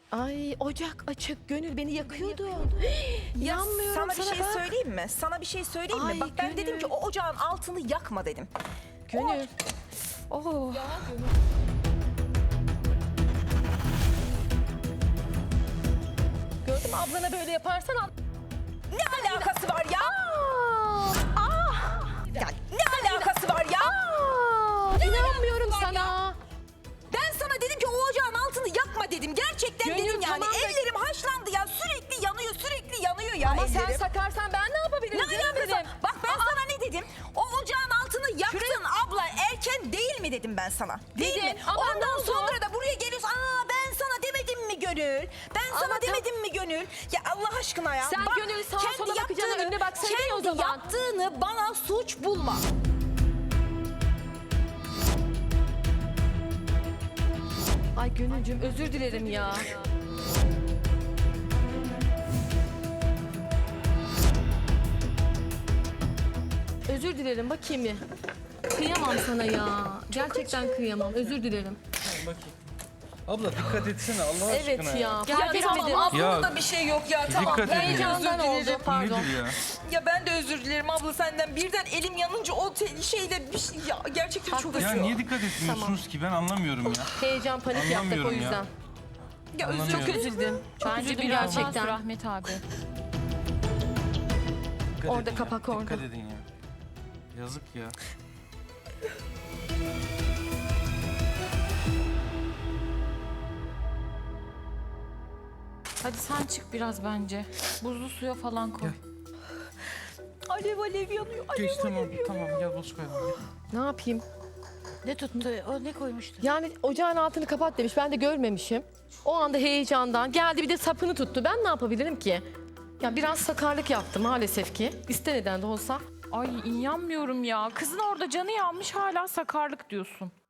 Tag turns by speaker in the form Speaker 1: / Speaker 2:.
Speaker 1: Ay ocak açık, Gönül beni yakıyordu.
Speaker 2: Ya
Speaker 1: Yanmıyorum
Speaker 2: sana bir şey
Speaker 1: bak.
Speaker 2: söyleyeyim mi? Sana bir şey söyleyeyim mi?
Speaker 1: Ay,
Speaker 2: Bak ben
Speaker 1: Gönül.
Speaker 2: dedim ki o ocağın altını yakma dedim.
Speaker 1: Gönül. Oh. Gördün mü ablana böyle yaparsan
Speaker 2: Ne alakası var ya? Ya ne alakası var ya?
Speaker 1: İnanmıyorum sana.
Speaker 2: Ben sana dedim ki o ocağın altını yakma dedim. Gerçekten
Speaker 1: Gönül,
Speaker 2: dedim yani.
Speaker 1: tamam da-
Speaker 2: Ellerim haşlandı ya. Sürekli yanıyor, sürekli yanıyor ya
Speaker 1: Ama sen
Speaker 2: ellerim.
Speaker 1: sakarsan ben ne yapabilirim?
Speaker 2: Ne
Speaker 1: canım
Speaker 2: alakası?
Speaker 1: benim?
Speaker 2: Bak ben sana ne dedim? O ocağın altını yaktın abla. Erken değil mi dedim ben sana? Değil
Speaker 1: Dedin,
Speaker 2: mi?
Speaker 1: ama ne
Speaker 2: Ondan
Speaker 1: oldu?
Speaker 2: sonra da buraya geliyorsun. Aa ben sana demedim mi Gönül? Ben sana
Speaker 1: Ama
Speaker 2: demedim mi Gönül? Ya Allah aşkına ya.
Speaker 1: Sen Gönül sağa
Speaker 2: kendi
Speaker 1: sola bakacağına
Speaker 2: yaptığını-
Speaker 1: önüne baksaydın ya o
Speaker 2: kendi
Speaker 1: zaman.
Speaker 2: yaptığını bana suç bulma.
Speaker 1: Ay Gönülcüm özür dilerim ya. Özür dilerim bakayım bir. Kıyamam sana ya. Gerçekten kıyamam. Özür dilerim.
Speaker 3: Bakayım. Abla dikkat etsene Allah
Speaker 1: Evet
Speaker 3: aşkına
Speaker 1: ya.
Speaker 2: Ya
Speaker 1: Fark
Speaker 2: tamam
Speaker 1: etmedim.
Speaker 2: ablanın
Speaker 3: Ya,
Speaker 2: da bir şey yok ya tamam.
Speaker 3: dikkat edin ya.
Speaker 1: Heyecandan oldu. Pardon.
Speaker 3: Nedir ya?
Speaker 2: Ya ben de özür dilerim abla senden. Birden elim yanınca o şeyle bir şey ya gerçekten çok
Speaker 1: Haklısın.
Speaker 3: Ya
Speaker 2: acıyor.
Speaker 3: niye dikkat etmiyorsunuz ki ben anlamıyorum ya.
Speaker 1: Heyecan panik yaptık o
Speaker 3: Anlamıyorum ya.
Speaker 1: yüzden.
Speaker 2: Ya özür
Speaker 3: Anlamıyorum.
Speaker 1: Çok üzüldüm. Çok
Speaker 4: Bence
Speaker 1: üzüldüm
Speaker 4: biraz
Speaker 1: gerçekten.
Speaker 4: Rahmet abi.
Speaker 3: Dikkat
Speaker 1: Orada
Speaker 3: edin
Speaker 1: kapak
Speaker 3: ya.
Speaker 1: orada.
Speaker 3: Dikkat edin ya. Yazık ya.
Speaker 4: Hadi sen çık biraz bence. Buzlu suya falan koy.
Speaker 2: Alev alev yanıyor.
Speaker 3: Geç tamam tamam gel boz koyalım. Gel.
Speaker 1: Ne yapayım?
Speaker 4: Ne tuttu? O ne koymuştu?
Speaker 1: Yani ocağın altını kapat demiş. Ben de görmemişim. O anda heyecandan geldi bir de sapını tuttu. Ben ne yapabilirim ki? Ya biraz sakarlık yaptı maalesef ki. İsteneden de olsa.
Speaker 4: Ay inanmıyorum ya. Kızın orada canı yanmış hala sakarlık diyorsun.